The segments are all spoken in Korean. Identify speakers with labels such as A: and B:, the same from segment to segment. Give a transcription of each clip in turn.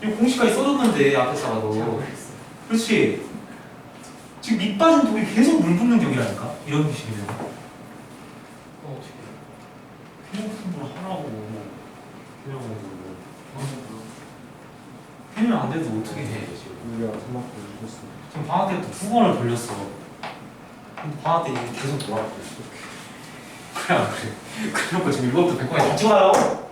A: 지금 공식까지 써줬는데 앞에 사가도. 그렇지. 지금 밑 빠진 독이 계속 물 붓는 격이라니까. 이런 식이면.
B: 어떻게?
A: 그냥 같은 걸 하라고. 해면 안 돼도 어떻게 해 지금.
C: 우리가 3만 보여줬어.
A: 지금 방학 때부터 2번을 돌렸어. 근데 방학 때 이게 계속 돌아가고 있어. 그래 안 그래? 그래놓고 지금 이것도 100번에 다 찍어놔요?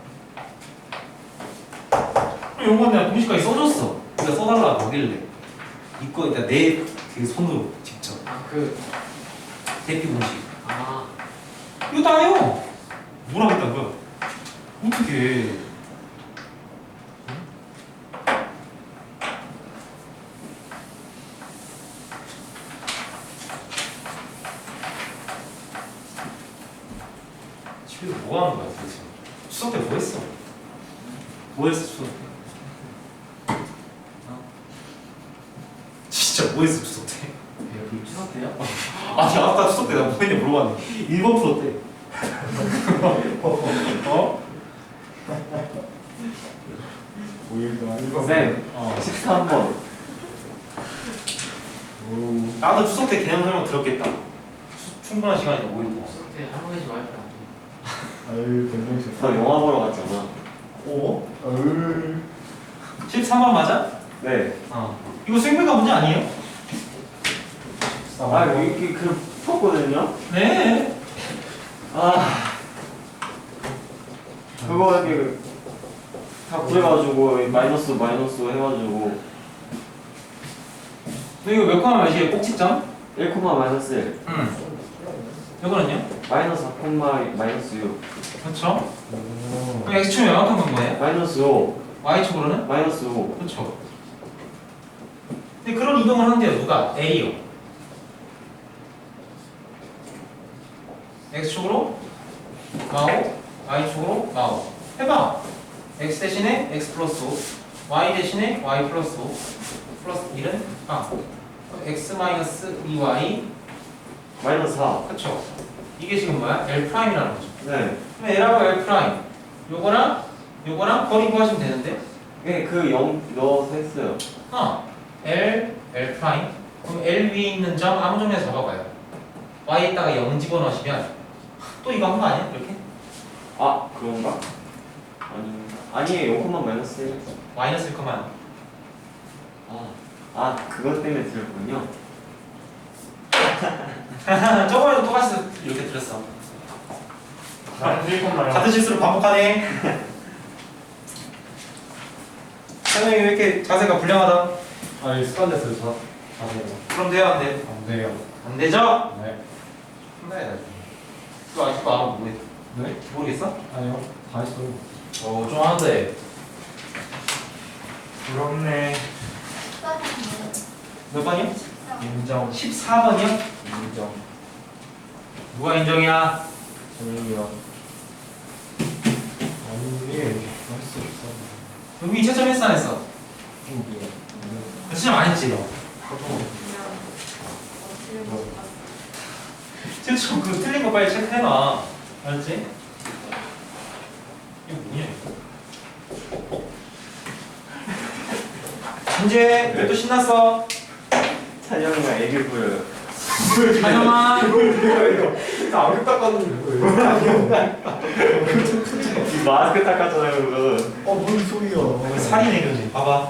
A: 그럼 이건 내가 공식까지 써줬어. 네가 써달라고 하길래 이거 일단 내 그 손으로 직접
B: 그
A: 대피 공식
B: 아.
A: 이거 다 해요. 뭘 하겠다는 거야? 어떻게 집에서 뭐 하는 거야 도대체? 추석 때 뭐 했어? 뭐 했어 추석 때? 진짜 뭐 했어 추석 때?
B: 여기 추석 때요?
A: 아니 아까 추석 때 나 뭐 했냐 물어봤는데 1번 풀었대. 어?
C: 5일 동안
B: 쌤. 13번.
C: 오.
A: 나도 추석 때 개념 설명 들었겠다. 충분한 시간이다 5일 동안.
B: 추석 때 할머니 집 와이프 안
C: 아유 굉장히 좋다.
D: 저 영화 보러 갔잖아.
A: 오?
C: 아유.
A: 13번 맞아?
D: 네.
A: 이거 생물과 문제 아니에요?
D: 아, 이게 그 컸거든요.
A: 네.
D: 아, 그거 이렇게 다 구해가지고 마이너스 해가지고
A: 너 이거 몇 콤마 몇이에요? 꼭지점?
D: 1, 마이너스 1,
A: 응. 이거는요?
D: 마이너스 4, 마이너스 6,
A: 그렇죠.
C: 오.
A: 그럼 x축은 명확한 건 뭐예요?
D: 마이너스 5,
A: y축으로는?
D: 마이너스 5.
A: 그렇죠. 근데 그런 이동을 하는데요. 누가? A요. x축으로 마오, y축으로 마오. 해봐. x 대신에 x 플러스 5, y 대신에 y 플러스 5, 플러스 1은 x 마이너스 2y.
D: 마이너스 4.
A: 그렇죠. 이게 지금 뭐야? L 프라임이라는 거죠.
D: 네.
A: 그럼 L하고 L 프라임. 요거랑 거리 구하시면 되는데.
D: 네, 그 0 넣어서 했어요.
A: L 프라임. 그럼 L 위에 있는 점 아무 점에서 잡아봐요. Y에다가 0 집어넣으시면 또 이거 한 거 아니야? 이렇게?
D: 아, 그런가? 아니에요. 0, 마이너스 1.
A: 마이너스 1,0.
D: 그것 때문에 들었군요.
A: 저번에도 똑같이 이렇게 들었어. 같은 실수를 반복하네. 선생님 왜 이렇게 자세가 불량하다?
C: 아니 습관됐어요. 자세가.
A: 그럼 돼요? 안 돼?
C: 안 돼요.
A: 안 되죠?
C: 네.
A: 혼나야 돼. 또 아직도 안 하고 뭐해?
C: 네?
A: 모르겠어?
C: 아니요. 다 했어요.
A: 좀 하는데.
C: 부럽네.
A: 몇 번이요?
C: 인정.
A: 14번이요?
C: 인정.
A: 누가 인정이야?
C: 재민이요. 아니 이게 맛있어.
A: 여기 채점 했어 안 했어?
C: 이게.
A: 채점 안 했지 너? 채점 그 틀린 거 빨리 체크해놔. 알았지? 이거 뭐냐 이거? 이제 왜 또 신났어?
D: 찬영이가 애교 보여요.
A: 찬영아.
C: 나 안경 닦았는데 왜?
D: 마스크 닦았잖아요, 그거.
C: 뭔 소리야?
A: 살이네 그지? 봐봐.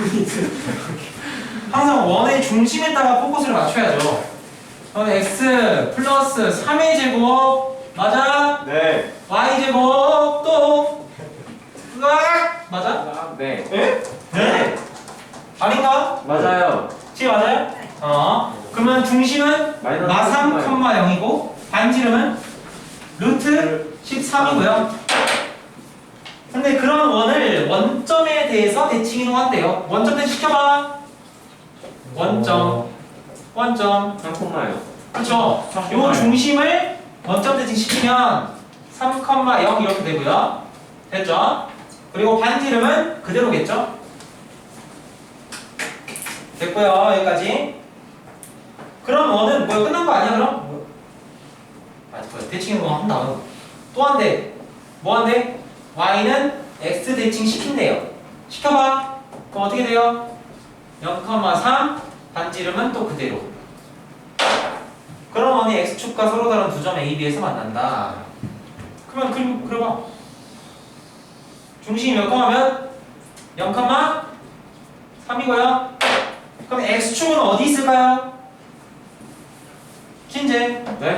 A: 항상 원의 중심에다가 포커스를 맞춰야죠. 그럼 x 플러스 3의 제곱 맞아?
D: 네.
A: y 제곱 또 으악! 맞아?
D: 네.
A: 네? 네. 아닌가?
D: 맞아요.
A: 지금 맞아요? 그러면 중심은
D: 마이너스
A: 마3, 0이고 반지름은 루트 13이고요. 근데 그런 원을 원점에 대해서 대칭 이동한대요. 원점 대칭 시켜봐. 원점.
D: 3콤마요.
A: 그렇죠. 요 중심을 원점 대칭 시키면 3,0 이렇게 되고요. 됐죠? 그리고 반지름은 그대로겠죠? 됐고요. 여기까지. 그럼 원은 뭐야? 끝난 거 아니야 그럼? 맞고요. 대칭 이동 한다. 또 한대. 뭐 한대? y는 x 대칭 시킨대요. 시켜봐. 그럼 어떻게 돼요? 0,3 반지름은 또 그대로. 그러면 x축과 서로 다른 두 점 A, B에서 만난다. 그러면 그려봐. 중심이 몇 컴마면 0,3이고요. 그럼 x축은 어디 있을까요? 신재.
D: 네?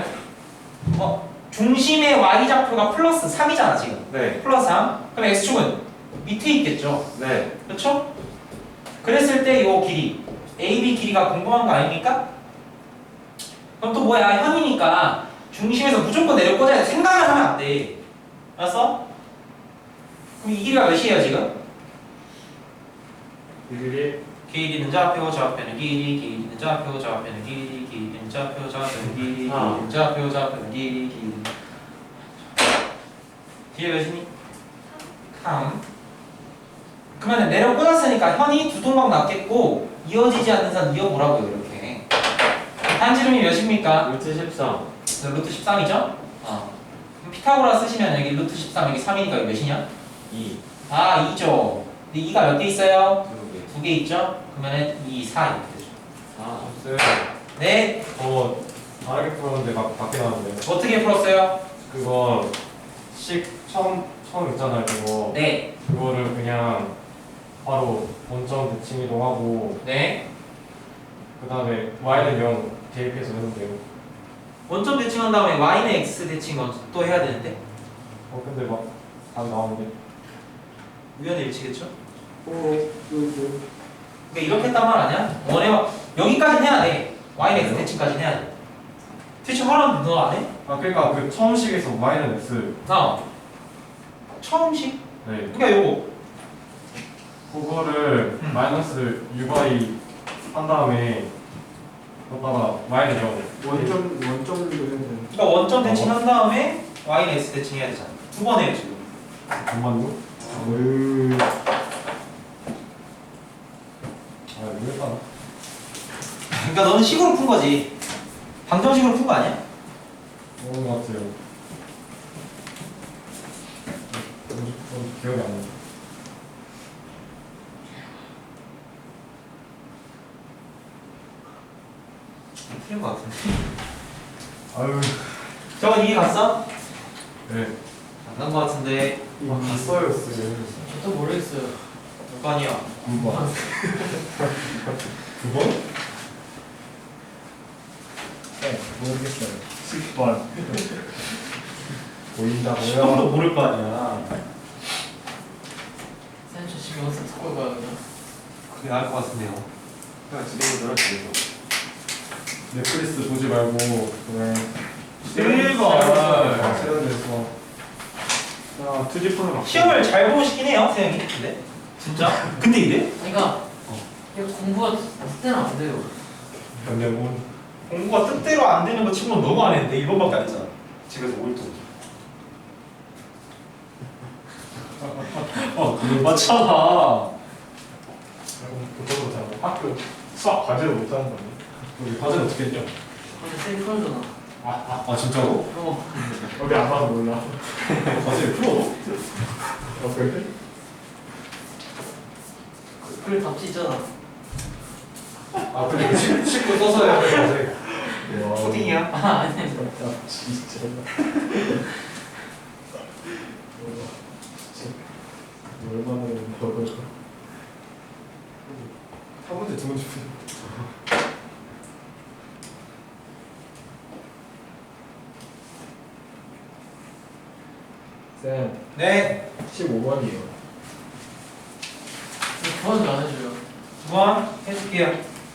A: 중심의 y좌표가 플러스 3이잖아 지금.
D: 네.
A: 플러스 3. 그럼 x축은 밑에 있겠죠.
D: 네.
A: 그렇죠? 그랬을 때 이 길이 AB 길이가 궁금한 거 아닙니까? 그럼 또 뭐야? 현이니까 중심에서 무조건 내려 꽂아야 돼. 생각을 하면 안 돼. 알았어? 그럼 이 길이가 몇이에요 지금? 길이는 좌표, 좌표는 길이, 길이는 좌표, 좌표는 길이, 길이는 좌표, 좌표는 길이, 길이는 좌표, 좌표는 길이, 길이는 뒤에 몇이니? 3. 그러면 내려 꽂았으니까 현이 두 동강 났겠고 이어지지 않는 선 이어보라고요 이렇게. 반지름이 몇입니까?
D: 루트 13.
A: 루트 13이죠? 그럼 피타고라 쓰시면 여기 루트 13 여기 3이니까 여기 몇이냐?
D: 2.
A: 아 2죠. 근데 2가 몇 개 있어요?
D: 2개.
A: 2개 있죠? 그러면 2, 4 이렇게 되죠.
D: 4.
A: 네.
C: 다르게 풀었는데 밖에 나왔는데.
A: 어떻게 풀었어요?
C: 그거 처음 있잖아요. 그거.
A: 네.
C: 그거를 그냥 바로 원점 대칭 이동하고
A: 네.
C: 그 다음에 y는 0 대입해서 했는데요.
A: 원점 대칭한 다음에 y는 x 대칭 또 해야 되는데
C: 근데 막 답이 나오는데.
A: 우연의 일치겠죠? 그러니까 이렇게 했단 말 아니야? 여기까지는 해야 돼. y는 x 대칭까지는 해야 돼. 대칭 하라는데 너 안 해?
C: 그러니까 그 처음식에서 y는 x.
A: 처음식?
C: 네.
A: 그러니까 요거
C: 그거를 마이너스 uy 한 다음에 거기다가 y는 0.
E: 원점으로 해야 되는.
A: 그러니까 원점 대칭한 다음에 y는 x 대칭 해야 되잖아. 두 번 해요 지금.
C: 잠만요. 이거 했다.
A: 그러니까 너는 식으로 푼 거지. 방정식으로 푼 거 아니야?
C: 그런 것 같아요. 기억이 안 나.
A: 틀린 거 같은데.
C: 아유.
A: 저건 이해 갔어?
C: 네.
A: 안 간 거 같은데.
C: 갔어요, 쌤.
B: 저도 모르겠어요.
A: 몇 번이야?
C: 9번. 9번? 네, 모르겠어요. 10번. 보인다고요?
A: 시험도 모를 거 아니야.
B: 쌤, 저 집에 와서 듣고 가요, 그냥.
A: 그게 나을 것 같은데요.
D: 그냥 집에 놀아 집에서.
C: 넷플릭스 보지 말고 그냥
A: 제발.
C: 세련돼서 야 투지폰으로
A: 시험을 잘 보시긴 해요, 선생님이. 근데 진짜? 근데 이래?
B: 그러니까 이게 공부가 그때는 안 돼요.
C: 변경문
A: 공부가 뜻대로 안 되는 거 치고는 너무 안 했는데 1번밖에 안 했잖아. 집에서 5일 동안.
C: 그걸 맞잖아. 그것도 잘 학교 수학 과제를 못하는 거니? 우리 과제는 어떻게 했죠?
B: 근데 쌤이 풀어주나.
C: 진짜로? 우리 안 봐도 몰라. 과제를 풀어? 그래?
B: 그래 답지 있잖아.
C: 근데 식구 써서 해야 돼 과제.
A: 초딩이야?
B: 아니.
C: 진짜. 얼마나 한 문제 두 문제 푸는 쌤
A: 네.
C: 15번이에요.
B: 도와줘 안 해줘요.
A: 2번 해줄게요.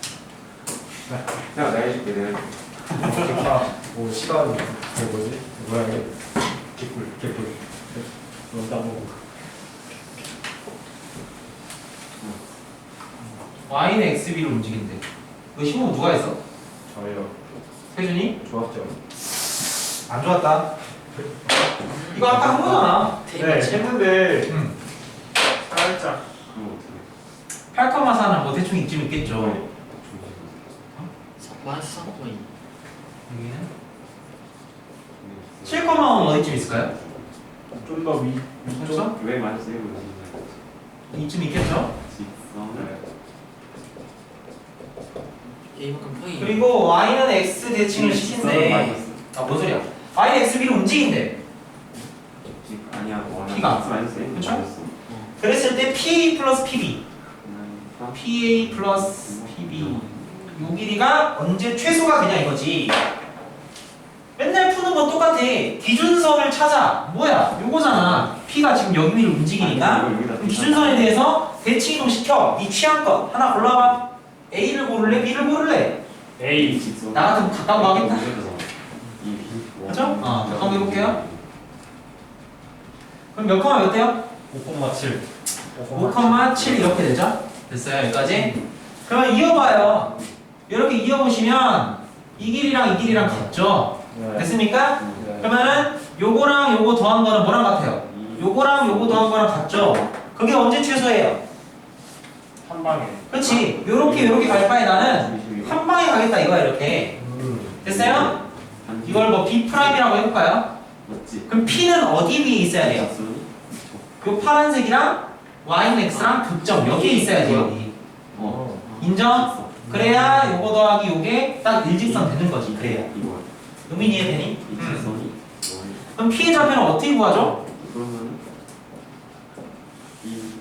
D: 내가 해줄게 내가 해줄게.
C: 뭐 시간 그 뭐지? 뭐야 이게? 개꿀. 너무 따먹고.
A: y는 xb로 움직인대. 너 시험 누가 했어?
C: 저요.
A: 세준이?
C: 좋았죠.
A: 안 좋았다. 이거 아까 한 거잖아.
C: 네, 했는데
A: 응.
C: 살짝.
D: 그럼 어떻게
A: 8,4는 뭐 대충 이쯤 있겠죠.
B: 마이너스 3.2.
A: 여기는 7,5는 어디쯤 있을까요?
C: 좀더 위.
A: 그렇죠?
D: 왜 많이 쓰이고 있는지
A: 이쯤 있겠죠?
D: 직선을
B: A만큼 평이.
A: 그리고 y는 x 대칭을
D: 직선을
A: 시킨대.
D: 마이너스.
A: 뭔 소리야? y는 x b로 움직인대.
D: 아니야.
A: P가.
D: 마이너스 A.
A: 그쵸?
D: 마이너스.
A: 그랬을 때 PA 플러스 PB.
D: 아,
A: PA 플러스 PB. 요 길이가 언제 최소가 그냥 이거지. 맨날 푸는 건 똑같아. 기준선을 찾아. 뭐야? 요거잖아. P가 지금 여기를 움직이니까. 그럼 기준선에 대해서 대칭 이동 시켜. 네 취향껏 하나 골라봐. A를 고를래? B를 고를래?
C: A.
D: 직선.
A: 나 같으면 가까운 거 하겠다. 그죠?
D: 어,
A: 한번 해볼게요. 그럼 몇 컴마 몇 대요?
C: 5,7.
A: 5,7 이렇게 되죠? 됐어요 여기까지? 그러면 이어봐요. 이렇게 이어보시면 이 길이랑 이 길이랑 같죠?
C: 네.
A: 됐습니까?
C: 네.
A: 그러면은 요거랑 요거 더한 거는 뭐랑 같아요? 요거랑 요거 더한 거랑 같죠? 그게 언제 최소예요?
C: 한 방에.
A: 그렇지. 요렇게 갈 바에 나는 한 방에 가겠다 이거야 이렇게. 됐어요? 이걸 뭐 B'이라고 해볼까요?
D: 맞지?
A: 그럼 P는 어디 위에 있어야 돼요?
D: 직선이?
A: 요 파란색이랑 Y는 X랑 극점 여기에 있어야지 여기.
D: 어.
A: 인정? 그래야 요거 더하기 요게 딱 일직선 되는 거지. 그래야.
D: 이거.
A: 의미 이해되니?
D: 이 직선이.
A: 그럼 P의 좌표는 어떻게 구하죠?
D: 그러면 이.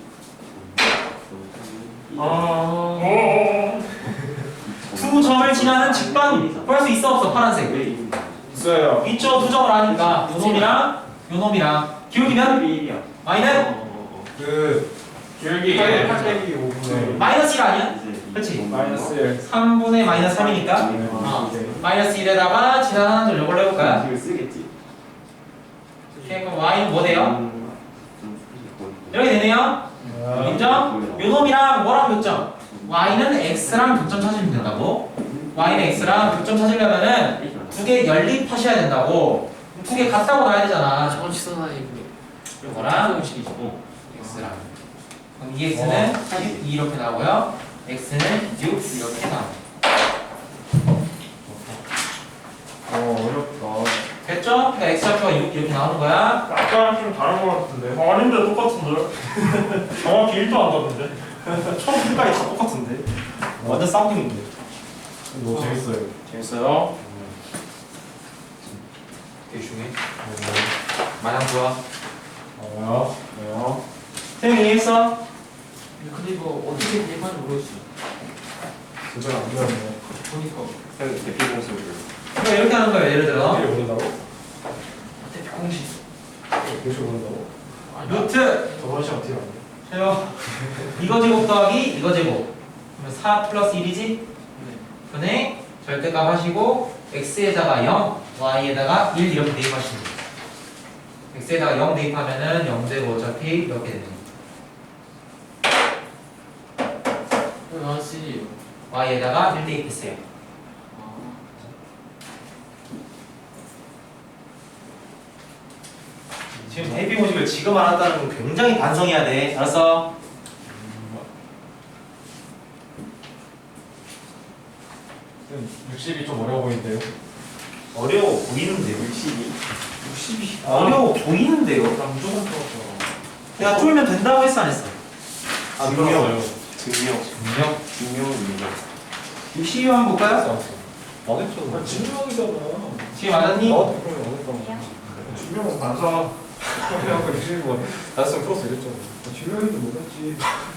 A: 두 점을 지나는 직방 구할 수 있어 없어 파란색?
D: 왜 이?
C: 있어요.
A: 있죠. 두 점을 아니까 요 놈이랑 기울기면
D: B야.
A: Y는
C: 그 기울기 8빼기 5분의
A: 마이너스 1 아니야? 그치?
C: 마이너스 1.
A: 3분의 마이너스 3이니까 마이너스 1에다가 지나가는 점 이걸로 해볼까요?
D: 이걸 쓰겠지.
A: 오케이 그럼 Y는 뭐 돼요? 이렇게 되네요. 인정? 요 놈이랑 뭐랑 교점? Y는 X랑 교점 찾으면 된다고. Y는 X랑 교점 찾으려면은 두 개 연립하셔야 된다고. 두 개 같다고 나야 되잖아.
B: 저건 직선하니
A: 요거랑
B: 공식이죠.
A: X랑. 그럼 이 X는 2 이렇게 나오고요. X는 6 이렇게 나와요.
C: 어렵다.
A: 됐죠? 그러니까 X 좌표가 6 이렇게 나오는 거야.
C: 아까랑 좀 다른 것 같은데. 아닌데 똑같은데. 정확히 1도 안 다른데.
E: 처음까지 다 똑같은데. 완전 쌍둥이인데.
C: 너무 재밌어요. 재밌어요?
A: 되게 중요해. 마냥 좋아.
C: 왜요? 왜요?
A: 태영이 이해했어?
B: 근데 이거 어떻게 대입하는지 모르겠어요.
C: 제대로 안 배웠네.
B: 보니까
D: 대표 공식을.
A: 그러니까 이렇게 하는 거예요. 예를 들어
C: 어디를 보낸다고?
B: 대표 공식.
C: 교실 보낸다고?
A: 루트
C: 저번 시간 어떻게 알았냐?
A: 해요. 이거 제곱 더하기 이거 제곱. 그러면 4 플러스 1이지? 분의 절대값 하시고 x에다가 0, y에다가 1 이렇게 대입하시면 돼요. x에다가 0 대입하면은 0 되고 어차피 이렇게 되는 거예요.
B: 왜 나왔지?
A: y에다가 1 대입했어요. 지금 대입 모집을 지금 알았다는 건 굉장히 반성해야 돼. 알았어?
C: 쌤, 60이 좀 어려워 보이는데요?
A: 어려워 보이는데요.
D: 60이.
A: 어려워 보이는데요.
C: 난 무조건 풀었어.
A: 내가 쫄면 된다고 했어 안 했어?
C: 아,
D: 증명.
C: 풀었어요.
D: 증명은 이거.
A: 62 한번 볼까요?
C: 안 했잖아. 증명이잖아.
A: 지금 맞았니?
C: 나한테 그러면 안 했잖아. 증명은 반사. 그냥 60번. 나였으면 풀었어 이랬잖아. 증명인지 몰랐지.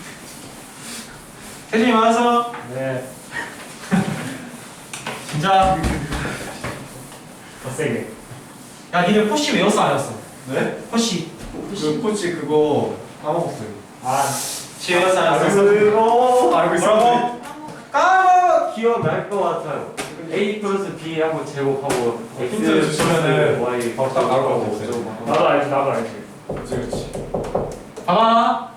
A: 태준이 맞았어?
C: 네.
A: 진짜.
C: 더 세게.
A: 야 니네 포시 외웠어 안 외웠어?
C: 네?
A: 포시
C: 그 코치 그거 까먹었어요. 아,
A: 지 외웠어 안 외웠어?
C: 알고
A: 뭐라고? 까먹!
D: 기억날 것 같아요. A 플러스 B 한번 제곱하고
C: 힌트 주시면은
D: Y
C: 바로 딱 나올 것 같아요. 나도 알지, 나도 알지. 그렇지, 그렇지.
A: 봐봐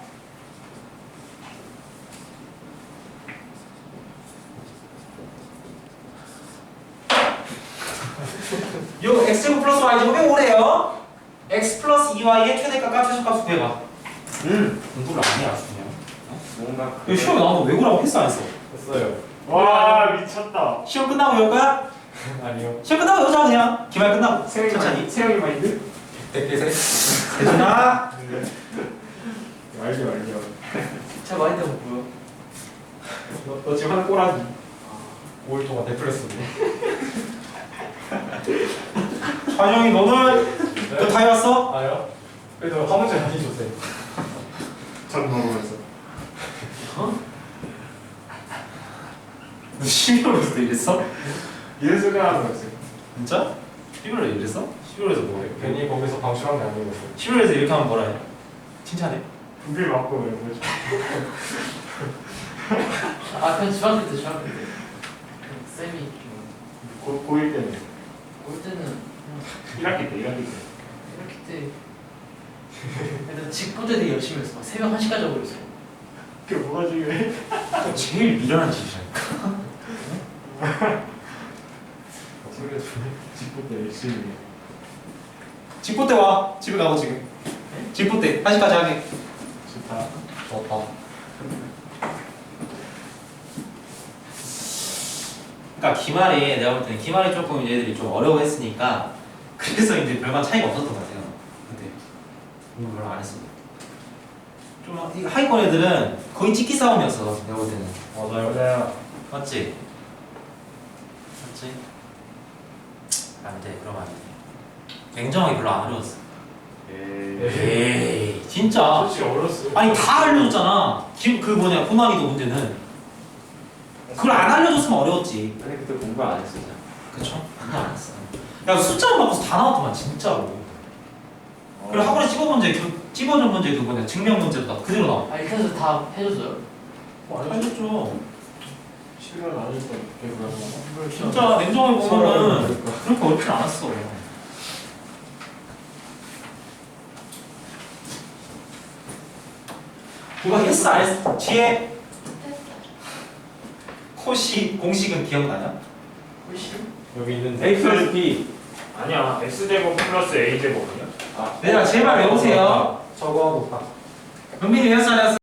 A: 요 x제곱 플러스 y제곱이 오래요. x 플러스 2y의 최대값과 최소값을 구해봐. 공부를 안 해야 그냥.
D: 뭔가
A: 이거 시험에 나오면 외우라고 했어 안 했어?
C: 됐어요. 와, 미쳤다.
A: 시험 끝나고 외울까?
C: 아니요.
A: 시험 끝나고 외우자 그냥. 기말 끝나고 천천히.
C: 세영이 마인드? 100개 세.
A: 대준아
C: 알죠, 알죠.
B: 자 많이 되면 뭐야?
C: 너 지금 하는 꼬라지 5일 동안 데프레스인데
E: 찬영이 너는 너 다 해왔어?
C: 아요? 그래도 한 문제 다시 줬어요 전 모르면서
E: 너 11월부터 이랬어?
C: 이래서 하는 거였어요
E: 진짜? 11월에 이랬어? 11월에서 뭐해?
C: 괜히 거기서 방출한 게 아니었어요
E: 11월에서 이렇게 하면 뭐라 해? 칭찬해?
C: 분필 맞고 왜 뭐지
B: 아 그냥 중학교 때 쌤이
C: 고1 때는
B: 올 때는
C: 1학기 때
B: 이렇게 때 애들 직구대 되게 열심히 했어. 막 새벽 1시까지 하고 있어.
C: 그게 뭐가 중요해?
E: 제일 미련한 짓이라니까.
C: 그래도 직구 때 열심히 해
E: 직보 때 와. 집에 가고 지금. 직보 때 1시까지 하게.
C: 좋다
E: 좋다. 그러니까 기말에 내가 볼 때는 기말에 조금 얘들이 좀 어려워했으니까 그래서 이제 별반 차이가 없었던 것 같아요. 근데 공부 별로 안 했어. 좀 이 하위권 애들은 거의 찍기 싸움이었어. 내가 볼 때는.
C: 맞아요
E: 맞지? 맞지? 안 돼. 그러면 안 돼. 냉정하게 별로 안 어려웠어. 에이 진짜.
C: 솔직히 어렸어
E: 아니 다 알려줬잖아. 그 뭐냐 호남이도 문제는 그걸 안 알려줬으면 어려웠지.
D: 아니 그때 공부 안 했었잖아.
E: 그쵸? 아니 안 했어. 야 숫자만 바꿔서 다 나왔더만 진짜로. 그리고 학원에 찝어준 문제 그 뭐냐 증명 문제도 다 그대로 나와.
B: 아 이렇게 다 해줬어요?
E: 알려줬죠.
C: 실은 안 했어 그러면
E: 진짜 냉정하게 보면은 그렇게 어렵진 않았어. 누가 했어 안 했어? 뒤에 코시 공식은 기억나냐?
B: 훨씬?
C: 여기 있는데
D: A 플러스 B.
C: 아니야 X제곱 플러스 A제곱이야?
E: 얘들아 제발 외우세요.
C: 저거하고 딱
E: 은빈이 외웠어 안 외웠어?